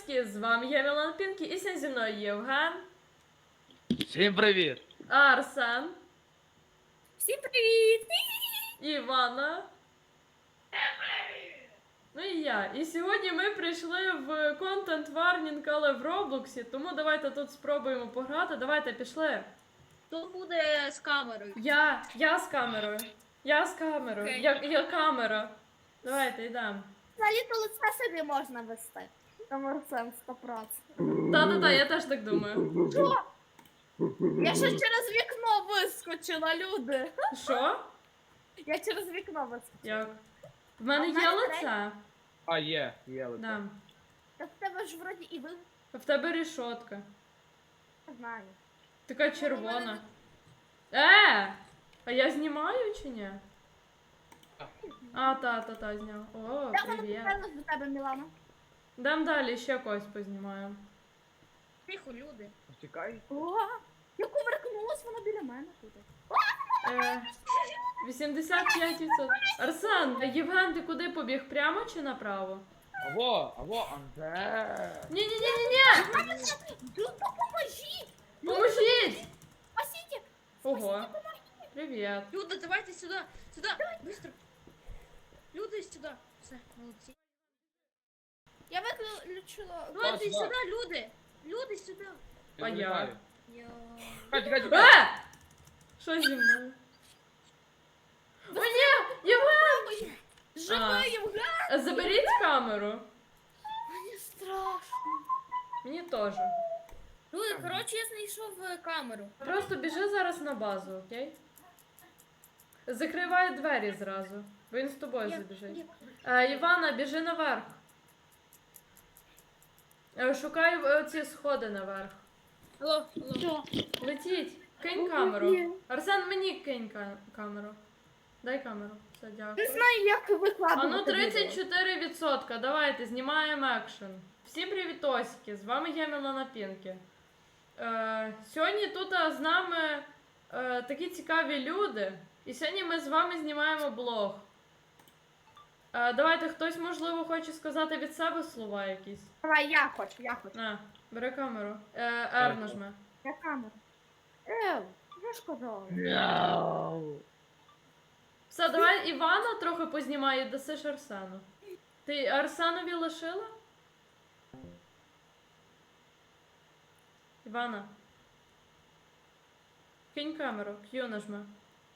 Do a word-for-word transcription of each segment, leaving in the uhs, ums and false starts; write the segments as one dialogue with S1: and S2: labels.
S1: Привітоськи, з вами я Мілана Пінкі і сьогодні зі мною Євген,
S2: Всім привіт!
S1: Арсен,
S3: Всім привіт!
S1: Івана. Ну і я. І сьогодні ми прийшли в контент варнінг, але в Роблоксі, тому давайте тут спробуємо пограти. Давайте пішли.
S3: Хто буде з камерою?
S1: Я, я з камерою. Я з камерою.
S3: Окей.
S1: Я, я камера. Давайте йдемо.
S4: Взагалі-то лице собі можна вести. Там Арсен сто процентів.
S1: Та-та-та, я теж так думаю.
S4: Що? Я ще через вікно вискочила, люди.
S1: Що?
S4: Я через вікно вискочила.
S1: Як? В мене
S4: А в
S1: є
S4: мене
S1: лице?
S2: А, є, є лице.
S1: Да.
S4: Та в тебе ж вроді і ви
S1: В тебе рішотка.
S4: не знаю.
S1: Така червона. Е! А я знімаю чи ні? А, та, та, та, зняв. О,
S4: Я вона
S1: привіт.
S4: повернусь до тебе, Мілана.
S1: Дам далі, ще когось познімаємо.
S3: Тихо, люди.
S2: Чекай.
S4: О, я кувыркнулась, вона біля мене тут.
S1: Е, вісімдесят п'ять відсотків. Арсен, а Євген, ти куди побіг? Прямо чи направо?
S2: Аво, аво, Анде.
S1: Ні-ні-ні-ні-ні!
S4: Ну, допоможіть!
S1: Поможіть!
S4: Спасіть!
S1: Ого. Привіт.
S3: Люди, давайте сюди. Сюди. Быстро. Люди, сюди. Все, молодці.
S4: Я виключила...
S3: Люди,
S2: сюди.
S3: сюди, люди. Люди, сюди.
S1: А я?
S2: залітаю.
S3: Я...
S2: Чекай, чекай, чекай.
S1: Е! Що зі мною? О, ні! Євген! А.
S4: Живий, Євген!
S1: Заберіть камеру.
S4: Мені страшно.
S1: Мені теж.
S3: Люди, коротше, я знайшов е, камеру.
S1: Просто біжи зараз на базу, окей? Закривай двері зразу, бо він з тобою
S3: Я-
S1: забіжить.
S3: я-
S1: Е, Івана, біжи наверх. Е, шукай е, ці сходи наверх.
S3: Алло, алло.
S4: Що?
S1: Летіть, кинь
S4: Ну,
S1: камеру.
S4: ні.
S1: Арсен, мені кинь ка- камеру. Дай камеру. Все,
S4: Не
S1: дякую.
S4: знаю, як викладувати.
S1: А ну
S4: відео.
S1: тридцять чотири відсотка. Давайте, знімаємо екшен. Всім привітосики, з вами я Мілана Пінкі. Е, сьогодні тут а, з нами е, такі цікаві люди. І сьогодні ми з вами знімаємо блог. Е, давайте, хтось, можливо, хоче сказати від себе слова якісь.
S4: Давай, я хочу, я хочу.
S1: На, бери камеру. Е, R нажми.
S4: Я камеру. Ев, я ж казала.
S2: Мяу.
S1: Все, давай Івана трохи познімай і дасиш Арсену. Ти Арсенові лишила? Івана. Кинь камеру, Q нажми.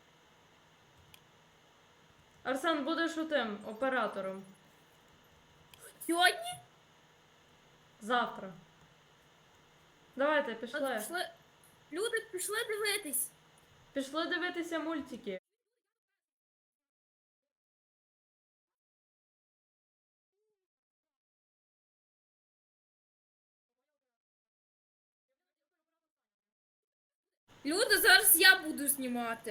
S1: Арсен, будеш у тим оператором.
S3: Сьогодні?
S1: Завтра. Давайте,
S3: От
S1: пішли.
S3: пішли. Люди, пішли дивитись.
S1: Пішли дивитися мультики.
S3: Люди, зараз я буду знімати.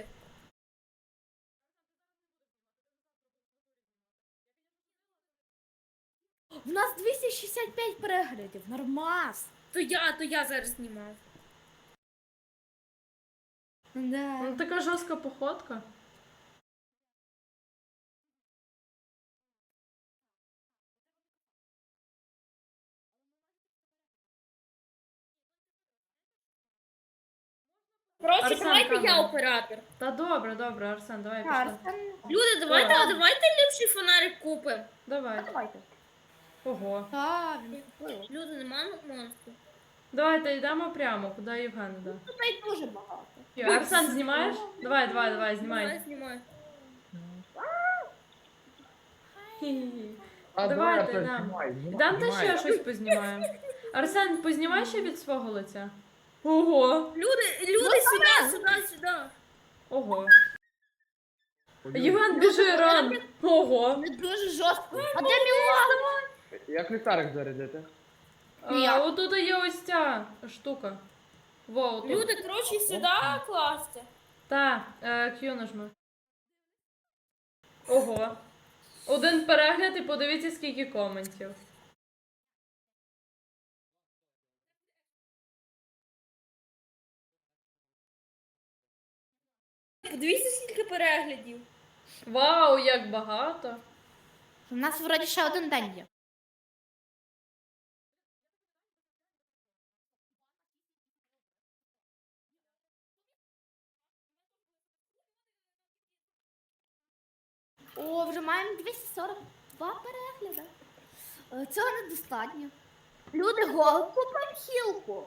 S4: В нас двісті шістдесят п'ять переглядів, нормас.
S3: То я, то я зараз знімав.
S4: Да.
S1: Ну, така жорстка походка.
S3: Коротше,
S1: Арсен,
S3: давайте я
S1: камера.
S3: оператор.
S1: Та добре, добре, Арсен, давай пішли.
S4: Арсен.
S3: Люди, давайте,
S1: О.
S3: давайте ліпший фонарик купимо.
S1: Давай.
S4: Давайте.
S1: Ого.
S4: Так, він купив.
S3: Люди, нема монстру.
S1: Давайте йдемо прямо, куди Євген йде.
S4: Тут навіть дуже багато.
S1: Арсен, знімаєш? Давай, давай, давай,
S3: Знімай,
S1: знімай.
S3: знімай.
S1: Хі-хі-хі.
S2: А,
S1: Давайте,
S2: Арсен,
S1: да.
S2: знімай, знімай,
S1: Дам ти
S2: знімай.
S1: ще щось познімаємо. Арсен, познімай ще від свого лиця. Ого.
S3: Люди, люди, сюди, сюди, сюди.
S1: Ого.
S2: Ой,
S1: Євген, біжи ран. Ого.
S4: Не дуже жорстко. А де Мілана?
S2: Як ліхтарик зарядити?
S1: А, отут є ось ця штука. Во, отут.
S3: Люди, коротше, сюди класти.
S1: Та, е, Q нажми. Ого. Один перегляд і подивіться, скільки коментів.
S3: Подивіться, скільки переглядів.
S1: Вау, як багато.
S4: У нас вроді ще один день є. О, вже маємо двісті сорок два перегляди. Е, Цього недостатньо. Люди, го, купимо хілку.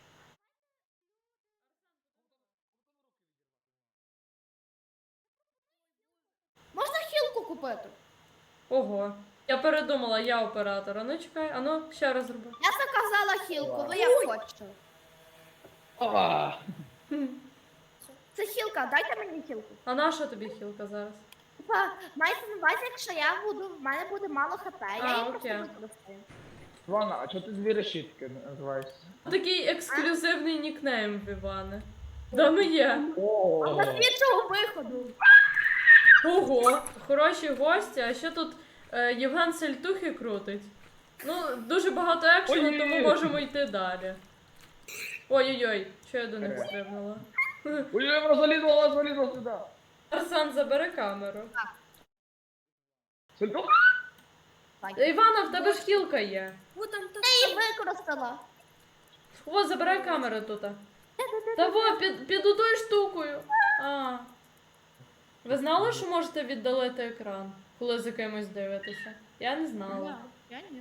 S4: Можна хілку купити?
S1: Ого. Я передумала, я оператор. А ну чекай, а ну ще раз зроби.
S4: Я заказала хілку, ви як хочете.
S2: А,
S1: Хм.
S4: Це хілка, дайте мені хілку.
S1: А на що тобі хілка зараз?
S4: Типа, мається на увазі, якщо я буду, в мене буде мало хп,
S1: А,
S4: я її просто
S1: окей.
S4: використаю.
S2: Івана, а чого ти дві решітки називаєшся?
S1: Такий ексклюзивний нікнейм в Івана. Да ми є.
S2: О,
S4: А з іншого виходу.
S1: Ого, хороші гості, а ще тут е, Євген сельтухи крутить. Ну, дуже багато екшену,
S2: Ой-ой-ой.
S1: тому можемо йти далі. Ой-ой-ой, що я до них
S2: Е.
S1: стрибнула?
S2: ой, вона залізла, вона залізла сюди.
S1: Арсан, забери камеру.
S2: Сельтух?
S1: Івана, в тебе ж хілка є.
S3: Вот там так.
S4: Я її використала.
S1: О, забирай камеру тут. Та во, під, під отою штукою. А. Ви знали, що можете віддалити екран, коли за кимось дивитеся? Я не знала.
S3: Я ні.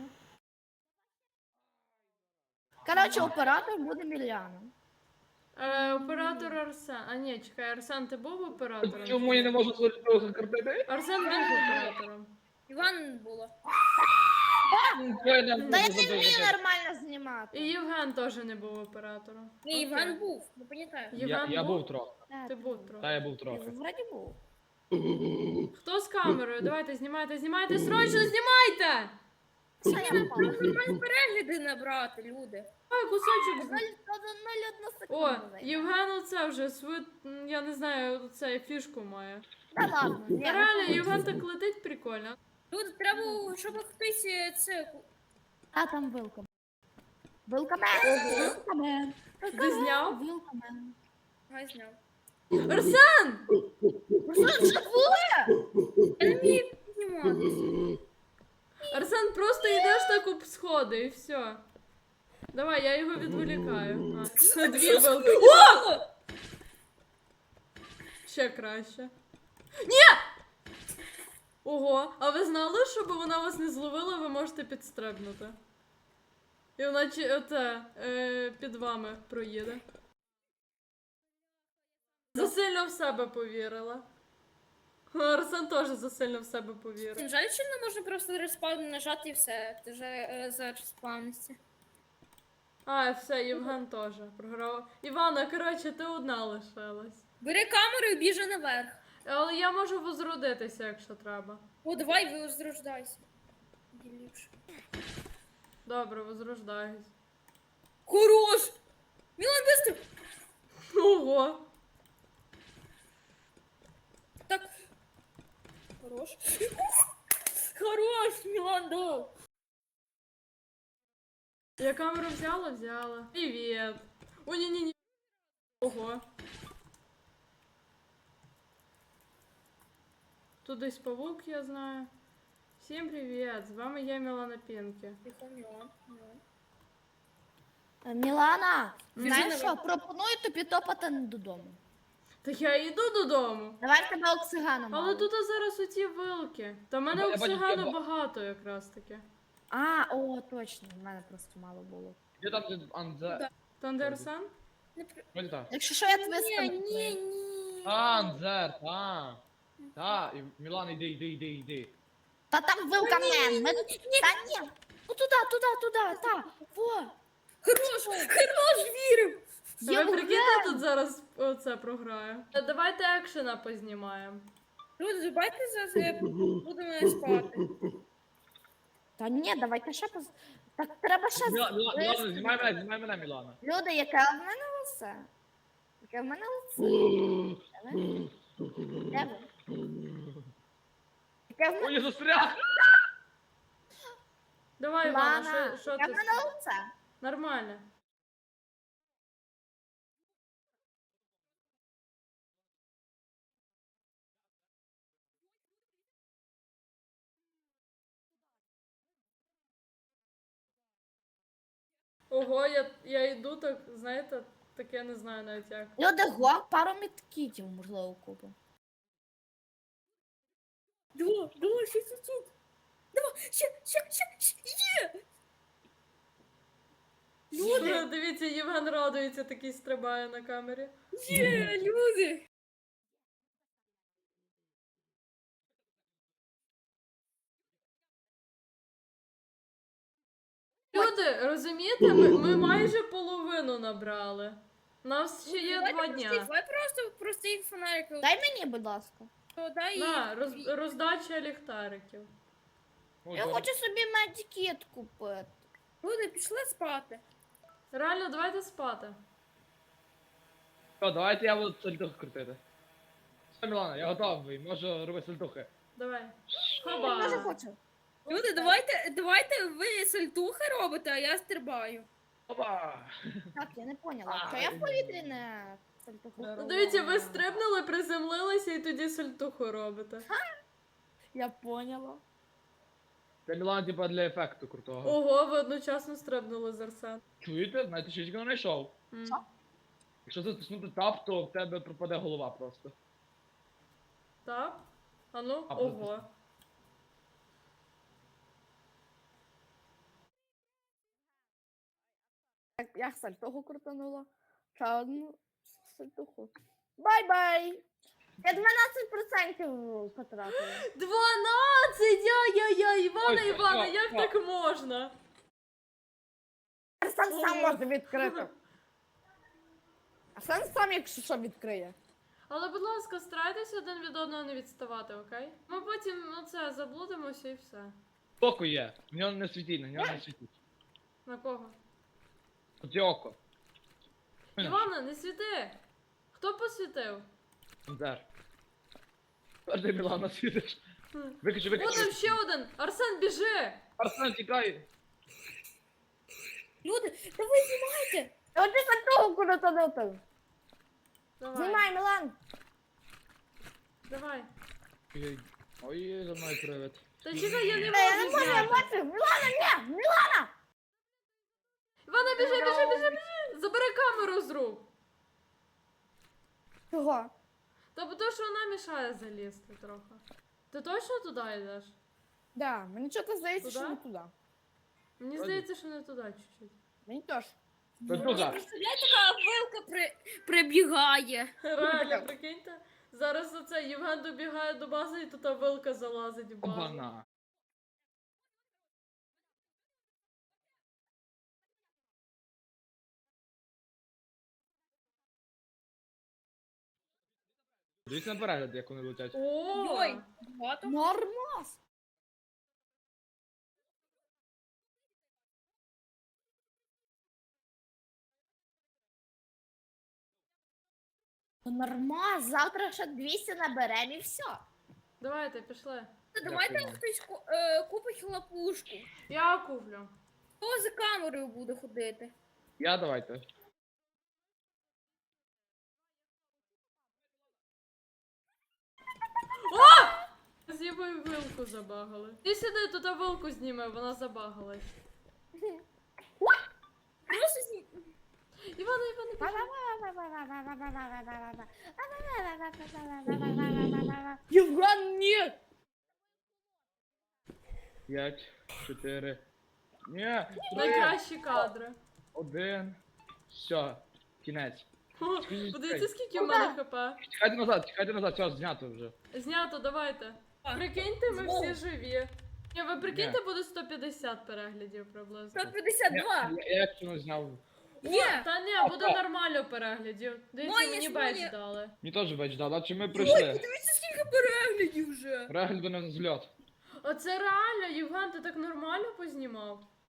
S4: Коротше, оператор буде Мільяна.
S1: Е, оператор Арсен. А ні, чекай, Арсен, ти був оператором?
S2: Чому я не можу сельтуха картити?
S1: Арсен він був оператором.
S3: Іван було.
S2: Я не
S4: Та я
S2: можу
S4: не вмію
S2: забити.
S4: нормально знімати.
S1: І Євген теж не був оператором.
S3: Ні,
S1: Окей.
S3: Іван був, не пам'ятаю.
S2: Я,
S1: Євген
S2: я був трохи.
S1: Ти був трохи.
S2: Та я був трохи.
S4: Вроді був.
S1: Хто з камерою? Давайте, знімайте, знімайте, срочно знімайте!
S4: Все, я напала.
S3: Нормально перегляди набрати, люди.
S1: Ой, кусочок. з-
S4: Нуль одну
S1: О,
S4: секунду. займе.
S1: Євген оце вже свою, м, я не знаю, оце фішку має.
S4: Та ладно. ні,
S1: Та реально, Євген так летить прикольно.
S3: Люди, треба, щоб хтось е, це.
S4: А там вилка. Вилкамен. Вилкамен.
S1: Ти зняв?
S4: Вилкамен.
S3: Гай зняв.
S1: Арсен!
S4: Що живе?
S3: Я не вмію підніматися.
S1: Арсен, просто йдеш так об сходи і все. Давай, я його відволікаю. А, дві вилки. О! Ще краще. Ні! Ого, а ви знали, щоб вона вас не зловила, ви можете підстрибнути. І вона чи оце, е, під вами проїде. Засильно в себе повірила. Арсен теж засильно в себе повірив.
S3: Жаль, що не можна просто респаун нажати і все. Ти вже е, зареспаунився.
S1: А, все, Євген теж програв. Івана, коротше, ти одна лишилась.
S3: Бери камеру і біжи наверх.
S1: Але я можу возродитися, якщо треба.
S3: О, давай возрождайся. Ліпше.
S1: Добре, возрождаюсь.
S3: Хорош! Мілан, быстро!
S1: Ого!
S3: Так. Хорош. Хорош, Мілан, да.
S1: Я камеру взяла, взяла. Привіт. О, ні-ні-ні. Ого. Тут десь павук, я знаю. Всім привіт! З вами я, Мілана Пінкі.
S3: Тихо, Мілан. Мілан.
S4: Е, Мілана,
S3: Біжи
S4: знаєш
S3: наверх.
S4: що, пропоную тобі топати додому.
S1: Та я йду додому.
S4: Давай в тебе оксигану мало.
S1: Але тут зараз оті вилки. Та в мене
S2: Я бачу,
S1: оксигану
S2: я-
S1: багато якраз таки.
S4: А, о, точно, в мене просто мало було.
S2: Де там де Анзе?
S1: Тандерсан?
S3: Не при...
S2: Ось так.
S4: Якщо що, я тебе
S3: Ні,
S4: скину.
S3: ні, ні.
S2: Анзер, та. Та, і Мілан, іди, іди, іди, іди.
S4: Та там вилкамен. Ми... Та ні. Ну туди, туди, туди, та. Во.
S3: Хорош, хорош, вірив.
S1: Та ви
S4: Євген.
S1: прикиньте, тут зараз оце програю. Та давайте екшена познімаємо.
S3: Люди, забайте за це, будемо спати.
S4: Та ні, давайте ще поз... Так треба ще...
S2: Міла-
S4: з-
S2: Міла- Мілана, знімай мене, знімай мене, Мілана.
S4: Люди, яке в мене лице? Яке в мене лице? Де ви? Де ви? Яке в мене...
S2: Ой, я застряг!
S1: Давай, Івана,
S4: Лана,
S1: що, що
S4: яке
S1: ти?
S4: в мене лице?
S1: Нормально. Ого, я, я йду так, знаєте, таке не знаю навіть як.
S4: Люди, го, пару мідкітів, можливо, купимо.
S3: Давай, давай, ще чуть-чуть. Давай, ще, ще, ще, ще, є! Люди,
S1: Дивіться, Євген радується, такий стрибає на камері.
S3: є, люди.
S1: Люди, розумієте, ми, ми майже половину набрали. У нас ще є
S3: Давайте
S1: два
S3: прості-
S1: дня.
S3: Давай просто простих фонариків.
S4: Дай мені, будь ласка.
S3: Дай
S1: На, роз, роздача ліхтариків.
S2: Ну,
S4: Я
S2: зараз-
S4: хочу собі медикет купити.
S3: Люди, пішли спати.
S1: Реально, давайте спати.
S2: Все, давайте я буду сальтухи крутити. Все, Мілана, я готовий, можу робити сальтухи.
S1: Давай.
S4: Я дуже
S1: Хоба.
S4: хочу.
S3: Люди, давайте, давайте ви сальтухи робите, а я стрибаю.
S2: Опа!
S4: Так, я не поняла.
S2: А,
S4: Що я в
S2: ні.
S4: повітрі не сальтуху
S1: Ну,
S4: роблю?
S1: дивіться, ви стрибнули, приземлилися і тоді сальтуху робите.
S4: Я поняла.
S2: Це Мілана, типа, для ефекту крутого.
S1: Ого, ви одночасно стрибнули з Арсен.
S2: Чуєте? Знаєте, що я тільки не знайшов.
S1: М.
S4: Що?
S2: Якщо затиснути тап, то в тебе пропаде голова просто.
S1: Так? А ну,
S2: А,
S1: ого.
S4: Так, я сальтуху крутанула. Ще одну сальтуху. Бай-бай! Я дванадцять процентів потратила.
S1: дванадцять! Яй-яй-яй! Івана,
S2: Ой,
S1: Івана,
S2: що,
S1: як
S2: що?
S1: так можна?
S4: Арсен сам
S1: Ого.
S4: може відкрити. Арсен сам, якщо що, відкриє.
S1: Але, будь ласка, старайтеся один від одного не відставати, окей? Ми потім, ну це, заблудимося і все.
S2: Око є, в нього не світить, на нього не світить.
S1: На кого?
S2: Тут є око.
S1: Івана, не світи! Хто посвітив?
S2: Де? Тепер ти, Мілана, світиш.
S1: Хм.
S2: Виключи,
S1: О, там
S2: виключи.
S1: ще один! Арсен, біжи!
S2: Арсен, тікай!
S3: Люди, та ви знімайте.
S4: От ти сальтуху крутанути.
S1: Давай,
S4: Знімай, Мілан.
S1: давай.
S2: Ой, Ой, за мною привид.
S1: Та чекай, я не
S4: Та я не
S1: можу
S4: можу, я
S1: зняти.
S4: бачу. Мілана, ні, Мілана.
S1: Івана, біжи, біжи, біжи, біжи! Забери камеру з рук!
S4: Чого?
S1: Та бо то, що вона мішає залізти трохи. Ти точно туди йдеш?
S4: Да, мені чого здається, що
S1: Туди?
S4: не туди.
S1: Мені
S2: Вроді.
S1: здається, що не туди чуть-чуть.
S4: Мені теж.
S2: Сальтуха.
S3: Представляєте, така вилка при... прибігає.
S1: Реально, прикиньте. Зараз оце Євген добігає до бази і тут вилка залазить в базу.
S2: Обана. Дивіться на перегляд, як вони летять.
S1: О!
S3: Ой, багато.
S4: Нормас. Нормас, завтра ще двісті наберемо і все.
S1: Давайте, пішли.
S3: Давайте
S2: Дякую.
S3: хтось ку- е, купить хлопушку.
S1: Я куплю.
S3: Хто за камерою буде ходити?
S2: Я давайте.
S1: З Євою вилку забагали. Ти сюди, тут вилку зніме, вона забагалась.
S3: Просто зні...
S1: Івана, Івана, біжи.
S4: Євген, ні!
S2: П'ять, чотири. Ні, три,
S1: Найкращі кадри.
S2: один. Все, кінець.
S1: О, подивіться, скільки в мене хп.
S2: Тікайте назад, тікайте назад, все, знято вже.
S1: Знято, давайте.
S3: А,
S1: Прикиньте, ми
S3: знову.
S1: всі живі. Ні, ви прикиньте, буде сто п'ятдесят переглядів приблизно.
S3: сто п'ятдесят два.
S2: Я, я як не зняв.
S3: Є.
S1: Та ні, буде нормально переглядів. Дивіться,
S3: Моє
S1: мені
S3: ж
S1: бейдж
S3: моє.
S1: дали.
S2: Мені теж бач дали, а чи ми
S3: Ой,
S2: прийшли?
S3: подивіться, скільки переглядів вже.
S2: Перегляд на взльот.
S1: Оце реально, Євген, ти так нормально познімав?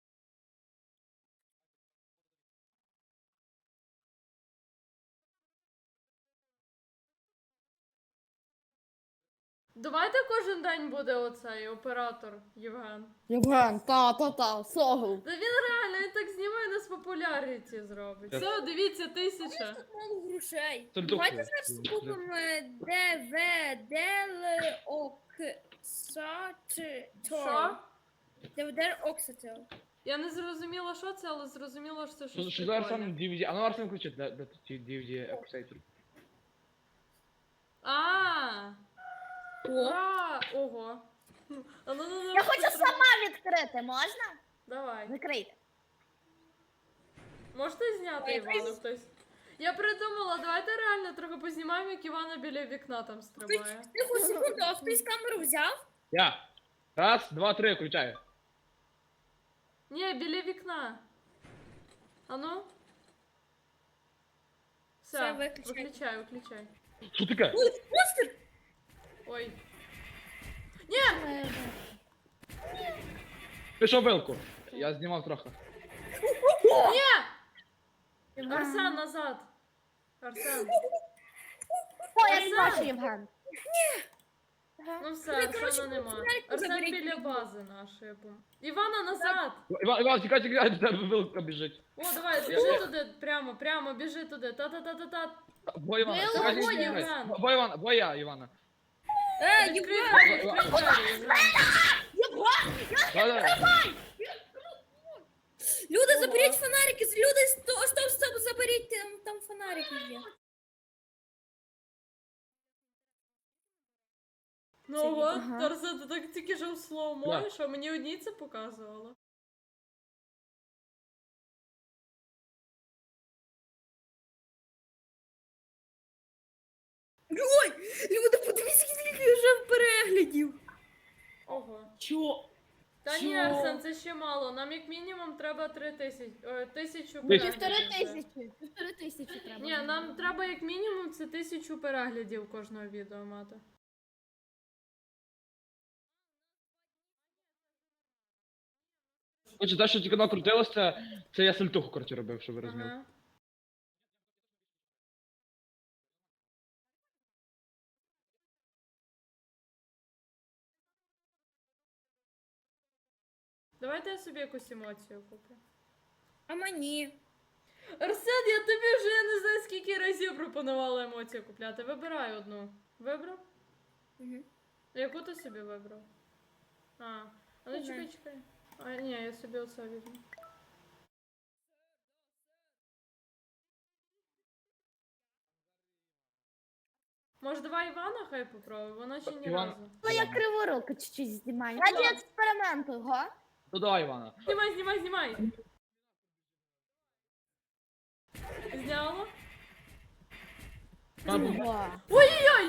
S1: Давайте кожен день буде оцей оператор Євген.
S4: Євген, та-та-та, согл.
S1: Та він реально, він так знімає, нас популярніті зробить.
S2: Так.
S1: Все, дивіться, тисяча.
S3: Тут мало грошей.
S2: Це
S3: Давайте
S2: духи.
S3: зараз купимо Д В Д Л Оксатор.
S1: Що?
S3: Д В Д Оксатор.
S1: Я не зрозуміла, що це, але зрозуміла, що це
S2: Що
S1: щось
S2: що зараз
S1: прикольне.
S2: сам ді ві ді? А ну Арсен включить, де, де ті ді ві ді епсейтер.
S1: А,
S3: О,
S1: Ура! Ого. А ну, ну, ну,
S4: Я хочу
S1: потримай.
S4: сама відкрити, можна?
S1: Давай.
S4: Закрийте.
S1: Можете зняти
S3: Ой,
S1: Івана
S3: якась-
S1: хтось? Я придумала, давайте реально трохи познімаємо, як Івана біля вікна там стрибає.
S3: тихо, секунду, а хтось камеру взяв?
S2: Я. Раз, два, три, включаю.
S1: Ні, біля вікна. А ну? Все,
S3: Все, виключай.
S1: виключай, виключай.
S2: Що таке?
S3: Ой, монстр!
S1: Ой.
S2: Пішов вилку. Я знімав трохи.
S1: Ні! Арсен, назад. Арсен.
S4: О, я
S1: Арсен!
S4: бачу, Євген.
S1: Ну все,
S3: Ви, коротше,
S1: Арсена нема.
S3: фонарик
S1: Арсен
S3: заберіть
S1: біля
S3: мені.
S1: бази нашої. бум. Івана назад!
S2: Іван, Іван, тікай, тікай, до тебе вилка біжить.
S1: О, давай, біжи туди, прямо, прямо, біжи туди. Та-та-та-та-та.
S2: Бо Івана,
S4: Вилка,
S2: тікай,
S1: бо
S2: тікай.
S1: Євген.
S2: Бо Івана, бо я, Івана.
S3: Е,
S1: Відкрий
S3: Євген!
S1: двері, відкрий двері, Євген.
S2: Да-да.
S3: Люди, заберіть фонарики! Люди, стоп, стоп, стоп, заберіть, там, там фонарики є.
S1: Ну от,
S4: Ага.
S1: Арсен, ти так тільки жив слоумо,
S2: Да.
S1: що мені одні це показувало.
S3: Ой, люди, подивіться, скільки вже переглядів.
S1: Ого.
S3: Чо?
S1: Та ні,
S3: Що?
S1: Арсен, це ще мало. Нам як мінімум треба три тисячі. О, тисячу
S2: Півтори
S4: Півтори
S1: переглядів.
S4: тисячі. Півтори тисячі треба.
S1: Ні, нам треба як мінімум це тисячу переглядів кожного відео мати.
S2: Отже, те, що тільки накрутилося, це я сальтуху, коротше, робив, щоб ви розуміли.
S1: Ага. Давайте я собі якусь емоцію куплю.
S3: А мені?
S1: Арсен, я тобі вже я не знаю скільки разів пропонувала емоцію купляти. Вибирай одну. Вибрав?
S3: Угу.
S1: Яку ти собі вибрав? А, а ну
S3: Не
S1: чекай,
S3: знаю.
S1: чекай. А, ні, я собі оце візьму. Може, давай Івана хай попробує, вона ще ні
S2: Іван-
S1: разу.
S4: Ну, я криворуку чуть-чуть знімаю. Раді експерименту, го?
S2: Ну давай, Івана.
S1: Знімай, знімай, знімай! Зняло?
S4: Го.
S1: Ой-ой-ой!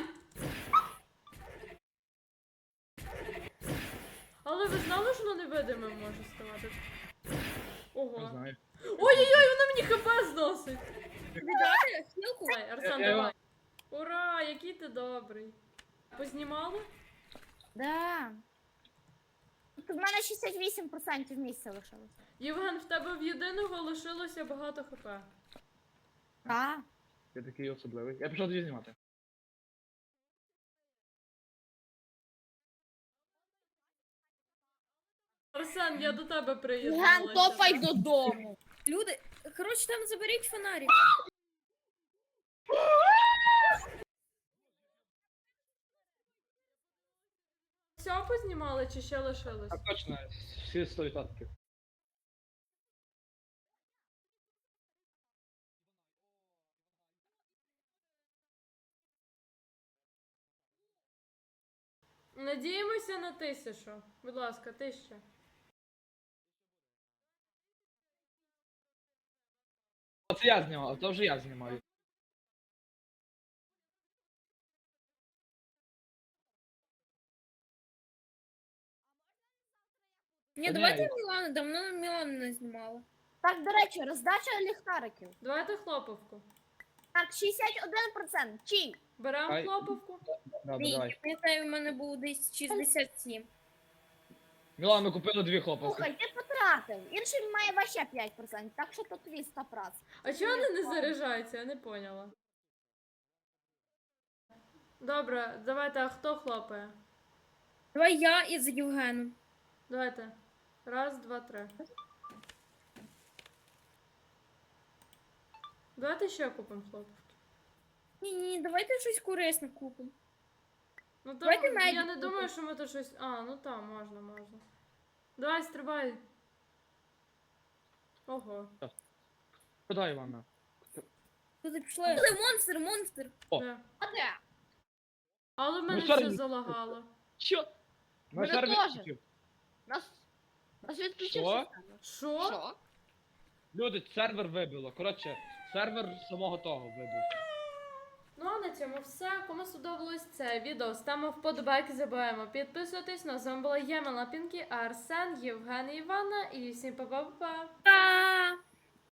S1: Але ви знали, що воно невидимим може ставати?
S2: Не
S1: Ого.
S2: знаю.
S1: Ой-ой-ой, воно мені хп зносить!
S3: Віддати хілку?
S1: Давай, Арсен,
S2: Е, е,
S1: давай. Ура, який ти добрий. Познімали?
S4: Да. Тут в мене шістдесят вісім відсотків місця лишилось.
S1: Євген, в тебе в єдиного лишилося багато хп.
S4: А?
S2: Я такий особливий. Я пішов тоді знімати.
S1: Арсен, я до тебе
S4: Ген,
S1: приєдналася.
S4: топай додому.
S3: Люди, коротше, там заберіть фонарик.
S1: Все познімали чи ще лишилось?
S2: Так точно, всі сто відсотків.
S1: Надіємося на тисячу. Будь ласка, тисяча.
S2: Це я знімав, це вже я знімав.
S3: Ні,
S2: Та
S3: давайте
S2: ні.
S3: Мілана, давно Мілана не знімала.
S4: Так, до речі, роздача ліхтариків.
S1: Давайте хлоповку.
S4: Так, шістдесят один відсоток. Чий?
S1: Беремо
S2: Ай.
S1: хлоповку.
S2: Добре,
S3: Ні,
S2: давай.
S3: я пам'ятаю, в мене було десь шістдесят сім.
S2: Мілан, ми купили дві хлопавки.
S4: Слухай, ти потратив. Інший має вообще п'ять відсотків, так що тут твій сто відсотків.
S1: А чого вони не заряджаються? Я не поняла. Добре, давайте, а хто хлопає?
S3: Давай я із Євгеном.
S1: Давайте. Раз, два, три. Давайте ще купимо хлопівки.
S3: Ні, ні, давайте щось корисне купимо.
S1: Ну там,
S3: Давайте
S1: я
S3: медик
S1: не
S3: купимо.
S1: думаю, що ми тут щось. А, ну там, можна, можна. Давай, стрибай. Ого.
S2: Куди, Івана?
S3: Куди пішли? Монстр, монстр.
S2: О.
S1: Де?
S4: А де?
S1: Але в мене
S2: Ну, сорі.
S1: все залагало.
S2: Що? На
S4: Мене
S2: сервері
S4: теж.
S2: включив.
S4: Нас. Нас
S2: Що?
S4: відключився.
S1: Що?
S4: Що?
S2: Люди, сервер вибило. Коротше, сервер самого того вибив.
S1: Ну а на цьому все. Кому сподобалось це відео, ставимо вподобайки, забуваємо підписуватись. Ну, а з вами була я, Мала Пінкі, Арсен, Євген і Івана. І всім па-па-па-па.
S4: Па!